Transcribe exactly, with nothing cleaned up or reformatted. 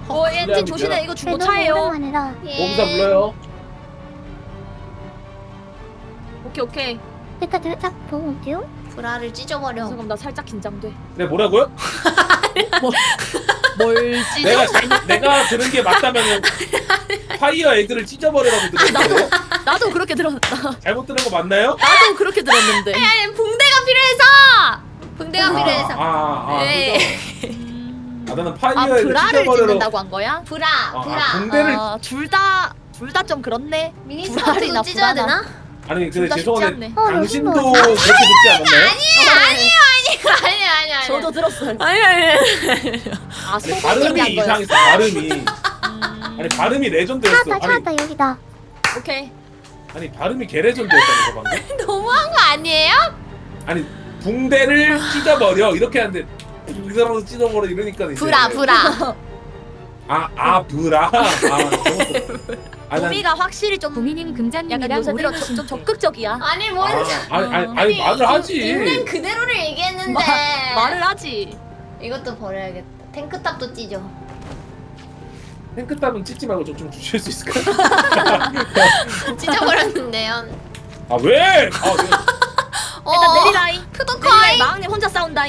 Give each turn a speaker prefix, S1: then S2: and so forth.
S1: 어 엔진 조심해. 이거 중고차예요.
S2: 오랜만이다.
S3: 공사 불러요.
S1: 오케이 오케이.
S2: 내가 살짝 보여줘.
S4: 브라를 찢어버려.
S1: 잠깐 나 살짝 긴장돼.
S3: 네 뭐라고요?
S1: 뭘 찢어?
S3: 내가 잘못 내가 들은 게 맞다면은 파이어 에그를 찢어버리라고 들었는데
S1: 나도 그렇게 들었다.
S3: 잘못 들은 거 맞나요?
S1: 나도 그렇게 들었는데.
S4: 아니 붕대가 필요해서. 붕대가
S3: 아,
S4: 필요해서.
S3: 아, 아,
S4: 네.
S3: 아 나는
S1: 아
S3: 파이어 에그
S1: 브라를
S3: 찢어버리라고.
S1: 찢는다고 한 거야?
S4: 브라,
S3: 아,
S4: 브라.
S3: 아, 붕대를
S1: 둘 다 둘 다 좀 그렇네.
S4: 미니스커트도
S1: 브라리나
S4: 찢어야
S1: 브라나.
S4: 되나?
S3: 아니
S1: 둘
S3: 근데
S1: 다 쉽지
S3: 죄송한데
S1: 않네.
S2: 어,
S3: 당신도
S2: 여기도
S3: 그렇게 듣지 않았나요?
S4: 아니에요, 아니에요, 아니에요, 아니에요.
S1: 저도 들었어요.
S4: 아니 아니.
S1: 아
S3: 아니,
S1: 소금이
S3: 발음이
S1: 한 거였어.
S3: 이상했어 발음이
S1: 음,
S3: 아니 발음이 레전드였어.
S2: 찾았다
S3: 아니
S2: 찾았다 여기다.
S1: 오케이.
S3: 아니 발음이 개레전드였다는 거 방금.
S4: 너무한 거 아니에요?
S3: 아니 붕대를 찢어버려 이렇게 하는데 붕대라고 찢어버려 이러니까 이제
S4: 브라, 브라.
S3: 아아 브라 아 잘못 아, 난-
S1: 도미가 확실히 좀
S5: 고민님
S1: 약간
S5: 금장님이랑
S1: 요새 들어
S5: 오래
S1: 좀, 좀
S5: 하신대.
S1: 적극적이야.
S4: 아니 뭔?
S3: 아, 아니 아니 아니 말을 하지.
S4: 있는 그대로를 얘기했는데.
S1: 마, 말을 하지.
S4: 이것도 버려야겠다. 탱크탑도 찢어.
S3: 탱크탑은 찢지 말고 좀, 좀 주실 수 있을까요?
S4: 찢어버렸는데요.
S3: 아 왜? 아, 왜?
S4: 어.
S1: 일단 내리라이.
S4: 푸드코이.
S1: 마왕님 혼자 싸운다이.